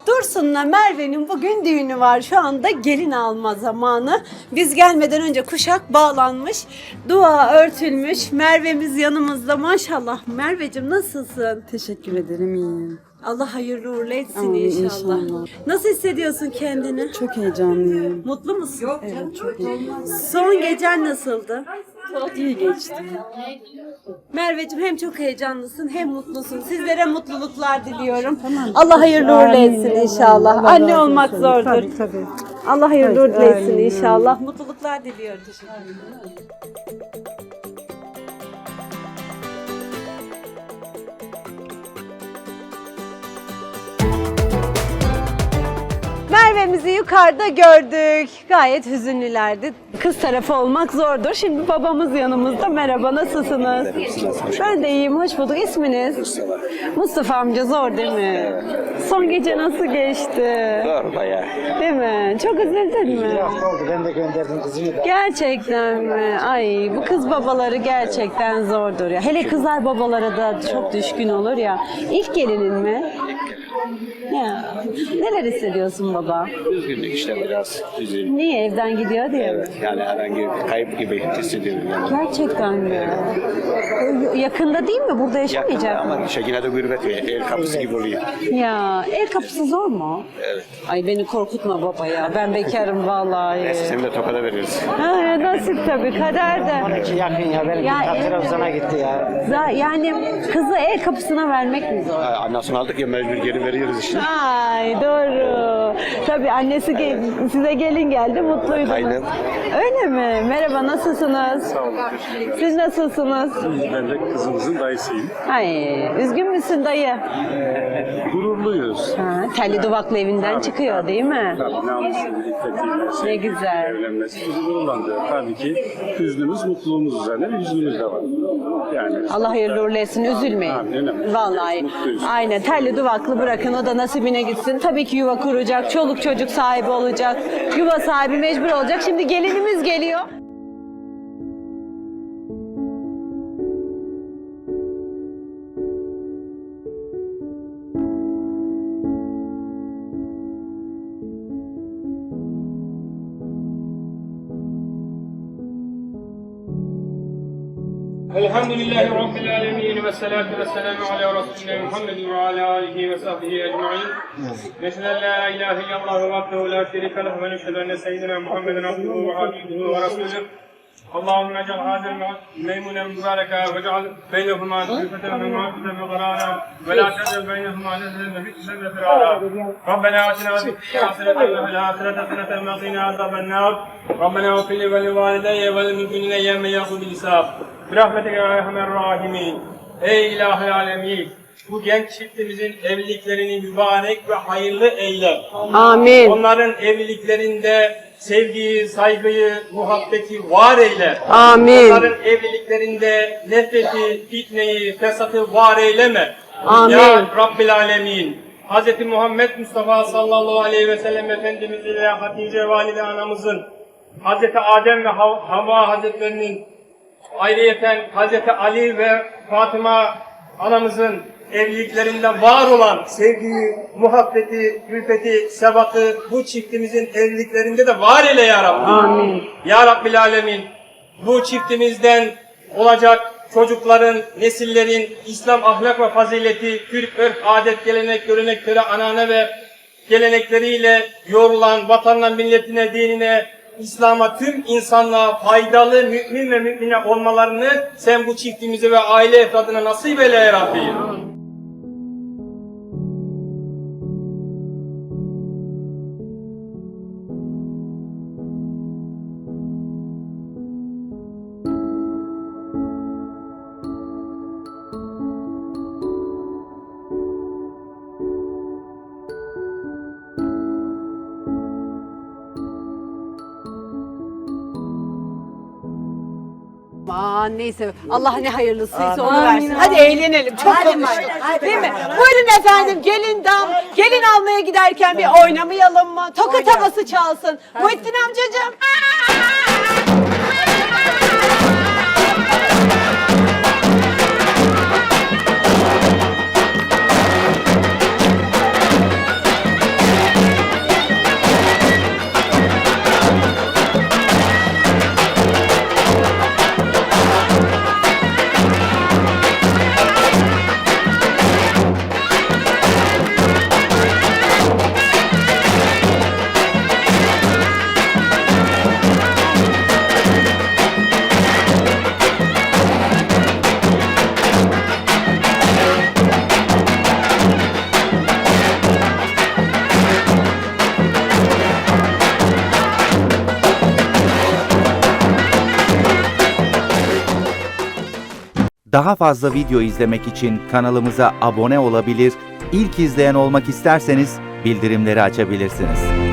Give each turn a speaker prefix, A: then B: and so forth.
A: Dursun'la Merve'nin bugün düğünü var. Şu anda gelin alma zamanı. Biz gelmeden önce kuşak bağlanmış. Dua örtülmüş. Merve'miz yanımızda. Maşallah. Merveciğim nasılsın?
B: Teşekkür ederim, iyiyim.
A: Allah hayırlı uğurlu etsin
B: Amin,
A: inşallah.
B: inşallah.
A: Nasıl hissediyorsun kendini?
B: Çok heyecanlıyım.
A: Mutlu musun?
B: Evet, çok iyiyim.
A: Son gecen nasıldı?
B: İyi geçti.
A: Merveciğim hem çok heyecanlısın hem mutlusun. Sizlere mutluluklar diliyorum.
B: Tamam.
A: Allah hayırlı uğurlu
B: Amin.
A: etsin inşallah.
B: Allah
A: Anne
B: razı
A: olmak
B: olsun.
A: zordur.
B: Tabii.
A: Allah hayırlı
B: Tabii,
A: uğurlu etsin
B: amin.
A: inşallah. Mutluluklar diliyorum. Teşekkür ederim. Merve'mizi yukarıda gördük. Gayet hüzünlülerdi. Kız tarafı olmak zordur. Şimdi babamız yanımızda. Merhaba, nasılsınız? Ben de iyiyim, hoş bulduk. İsminiz?
C: Mustafa.
A: Mustafa amca, zor değil mi? Son gece nasıl geçti?
C: Zor bayağı.
A: Değil mi? Çok üzüldün mü?
D: oldu. Ben de gönderdim kızımı da.
A: Gerçekten mi? Ay, bu kız babaları gerçekten zordur ya. Hele kızlar babalara da çok düşkün olur ya. İlk gelinin mi? Ya, neler hissediyorsun baba?
C: Üzgünlük işte biraz. Üzgün.
A: Niye evden gidiyor diye mi?
C: Yani herhangi bir kayıp gibi hissediyorum yani.
A: Gerçekten mi? Yakında değil mi? Burada
C: Yakında
A: yaşamayacak mı?
C: ama işte yine de gurbet ve el kapısı gibi oluyor.
A: Ya, el kapısı zor mu?
C: Evet.
A: Ay beni korkutma baba ya. Ben bekarım vallahi.
C: Neyse seni de Tokat'a veririz.
A: Ha, nasip tabii, kader de.
D: 12 yakın ya. Benim
A: Ya, evet.
D: Trabzon'a gitti ya.
A: Yani kızı el kapısına vermek mi zor?
C: Annesini aldık ya mecbur geri veriyoruz işte.
A: Ay doğru. Tabii annesi size gelin geldi, mutluydunuz.
C: Aynen.
A: Öyle mi? Merhaba, nasılsınız?
E: Sağ olun, teşekkür ederim.
A: Siz nasılsınız?
E: Ben de kızımızın dayısıyım.
A: Ay, üzgün müsün dayı?
E: Gururluyuz.
A: Ha, telli duvaklı evinden çıkıyor değil mi?
E: Tabii namuslu, iffetiyle,
A: Ne güzel.
E: evlenmesi bizi gururlandırıyor. Tabii ki hüznümüz, mutluluğumuz üzerine bir hüznümüz de var. Yani
A: Allah hayırlı uğurlu etsin, üzülmeyin.
E: Amin, öyle.
A: Vallahi.
E: Mutluyuz.
A: Aynen, telli duvaklı bırakın, o da nasibine gitsin. Tabii ki yuva kuracak, çoluk çocuk sahibi olacak. Yuva sahibi mecbur olacak. Şimdi gelinimiz geliyor.
F: Elhamdülillahi Rabbil alemin ve salatu ve selamu ala Resulina Muhammedin ve ala alihi ve sahbihi ecma'in. Neşhedü en la ilahe illallah ve vahdehu la şerike leh ve neşhedü enne seyyidina Muhammeden abduhu ve habibuhu ve resuluh. Allahümme ec'al hadel meymunen mübareka ve ec'al beynehuma külfeten ve muhabbeten ve qarara ve la tec'al beynehuma nezlen ve bitsen ve firara. Rabbena atina fid haseneten ve fil ahireti haseneten ve qina azaben nar. Rabbena ighfir li ve li valideyye ve lil mu'minine yevme yaqumul hisab. Birahmetike ya erhamer rahimin. Ey ilahi alemin, bu genç çiftimizin evliliklerini mübarek ve hayırlı eyle.
A: Amin.
F: Onların evliliklerinde sevgiyi, saygıyı, muhabbeti var eyle.
A: Amin.
F: Onların evliliklerinde nefreti, fitneyi, fesatı var eyleme.
A: Amin.
F: Ya Rabbil alemin. Hz. Muhammed Mustafa sallallahu aleyhi ve sellem Efendimiz ile Hatice valide anamızın, Hz. Adem ve Havva hazretlerinin, ayrıyeten Hz. Ali ve Fatıma anamızın evliliklerinde var olan sevgiyi, muhabbeti, külfeti, sebatı bu çiftimizin evliliklerinde de var eyle ya Rabbi.
A: Amin.
F: Ya Rabbil Alemin, bu çiftimizden olacak çocukların, nesillerin İslam ahlak ve fazileti, Türk örf, adet, gelenek, görenekleri, anane ve gelenekleriyle yoğrulan vatanına, milletine, dinine, İslam'a, tüm insanlığa faydalı mümin ve mümine olmalarını sen bu çiftimize ve aile efradına nasip eyle ya Rabbi.
A: Aman neyse, Allah ne hayırlısıysa onu versin. Hadi eğlenelim, çok konuştuk. Değil mi? Buyurun efendim, gelin almaya giderken bir oynamayalım mı? Tokat havası çalsın. Muhittin amcacığım.
G: Daha fazla video izlemek için kanalımıza abone olabilir, ilk izleyen olmak isterseniz bildirimleri açabilirsiniz.